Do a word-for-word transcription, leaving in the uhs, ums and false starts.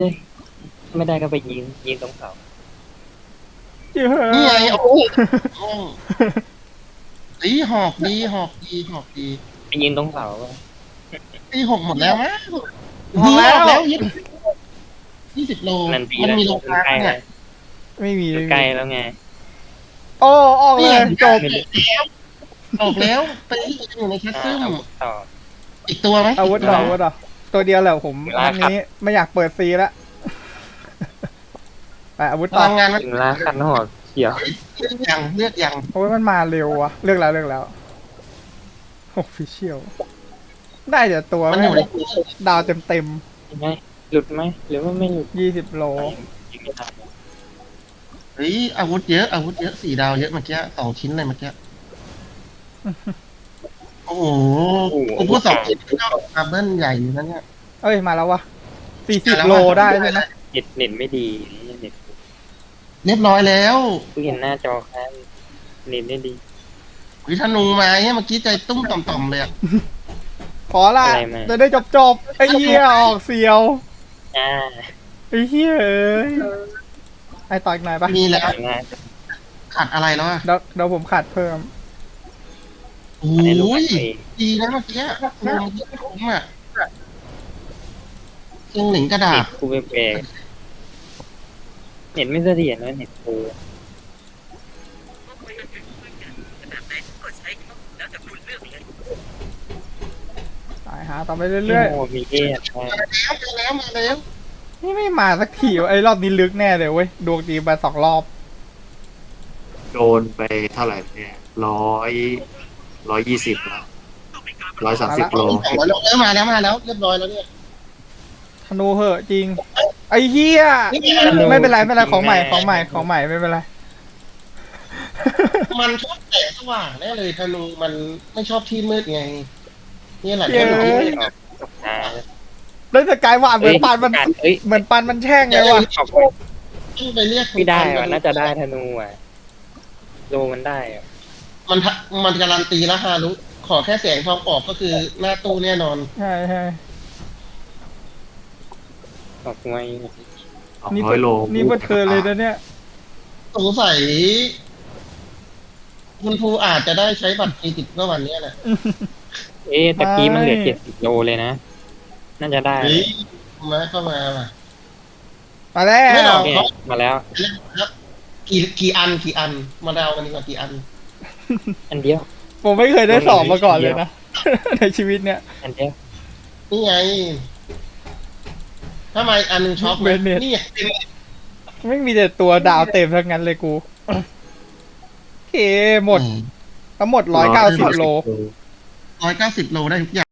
ไม่ได้ก็ไปยิงยิงตรงเสาเยอะนี่ไงโอ้ยตีหอกดีหอกดีหอกดีไปยิงตรงเสาตีหกหมดแล้วมั้งหอกแล้วแล้วยี่ยี่สิบโลนันทีมันแล้วมีโลค้าใกล้เนี่ยไม่มีใกล้แล้วไงโอ้ออกเลยจบออกแล้วไปอยู่ในแคสอ่าซึมอาวุธต่ออีกตัวไหมอาวุธต่ออาวุธต่อตัวเดียวแหละผมเวลาอันครับนี้ไม่อยากเปิดซีแล้วไปอาวุธพต่อลังงานมันถึงลาคันหัวเขียวเลือกยังเลือกยังโอ้ยมันมาเร็ววะเลือกแล้วเลือกแล้วโอ้ฟิเชียลได้แต่ตัวมันไม่อยู่ในดาวเต็มเต็มใช่ไหมหลุดไหมหรือว่าไม่หลุดยี่สิบโลยิงไม่ทันเฮ้ยอาวุธเยอะอาวุธเยอะสี่ดาวเยอะเมื่อกี้สองชิ้นเลยเมื่อกี้โอ้โหกูพูดสองชิ้นก็ดับเบิ้ลใหญ่อยู่นะเนี่ยเอ้ยมาแล้ววะสี่สิบโลได้ใช่ไหมเน็ตเน็ตไม่ดีเน็ตเรียบร้อยแล้วกูเห็นหน้าจอค้างเน็ตไม่ดีวิธนูมาเนี่ยเมื่อกี้ใจตุ้มต่อมๆเลยอะขอละจะได้จบจบๆไอ้เหี้ยออกเสียวอ่าไอ้เหี้ยเอ้ยไอ้ต่ออีกหน่อยปะมีแล้วง่ายขาดอะไรแล้วอะเดี๋ยวเดี๋ยวผมขาดเพิ่มโอ้ให้ลูกยเองดีนะเมื่อกี้เมื่อกี้คุ้มอะเชียงหลิงกระดาเน็ษตกูแปลกเน็ตไม่เสถียรนะเน็ตกูตายหาต่อไปเรื่อยโอ้มีเอสมาแล้วมาแล้วๆนี่ไม่มาสักทีวะไอ้รอบนี้ลึกแน่เลยเว้ยดวงดีไปสองรอบโดนไปเท่าไหร่เนี่ยร้อยร้อยยี่สิบแล้วร้อยสามสิบโลสองร้อยโลแล้วมาแล้วมาแล้วเรียบร้อยแล้วเนี่ยธนูเหอะจริงไอ้เหี้ยไม่เป็นไรไม่เป็นไรของใหม่ของใหม่ของใหม่ไม่เป็นไรมันชอบแสงสว่างแน่เลยธนูมันไม่ชอบที่มืดไงนี่แหละเย้ที่มันออกตกตาแล้วสกายว่าเหมือนปันมันเอ้ยเหมือนปันมันแช่งไงวะออกต้องไปเรียกคุณไม่ได้ปัว่ะนน่าจะได้ธนูอ่ะโลมันได้อ่ะมันทะมันการันตีแล้วฮารุขอแค่แสงทองออกก็คือหน้าตู้แน่นอนใช่ใช่ออกไวสองนี่ร้อยโลนี่เพื่อเธอเลยนะเนี่ยสงสัยคุณครูอาจจะได้ใช้บัตรเครดิตเมื่อวันนี้แหละเอ๊ะตะกี้มันเหลือเจ็ดสิบโลเลยนะ น่าจะได้เฮ้ยมาเข้ามาว่ะมาแล้ไม่หรวอกเนี่ยมาแล้วกี่กี่อันกี่อัน มาเดากันดีกว่ากี่อันอันเดียวผมไม่เคยได้สอบมาก่อนเลยนะ ในชีวิตเนี่ยอันเดียวนี่ไงทำไมอันหนึงช็อกไหมเบนเน็ตนี่ไงไม่มีแต่ตัวดาวเต็มทั้งนั้นเลยกูโอเคหมดทั้งหมดร้อยเก้าสิบโลร้อยเก้าสิบโลได้ทุกอย่าง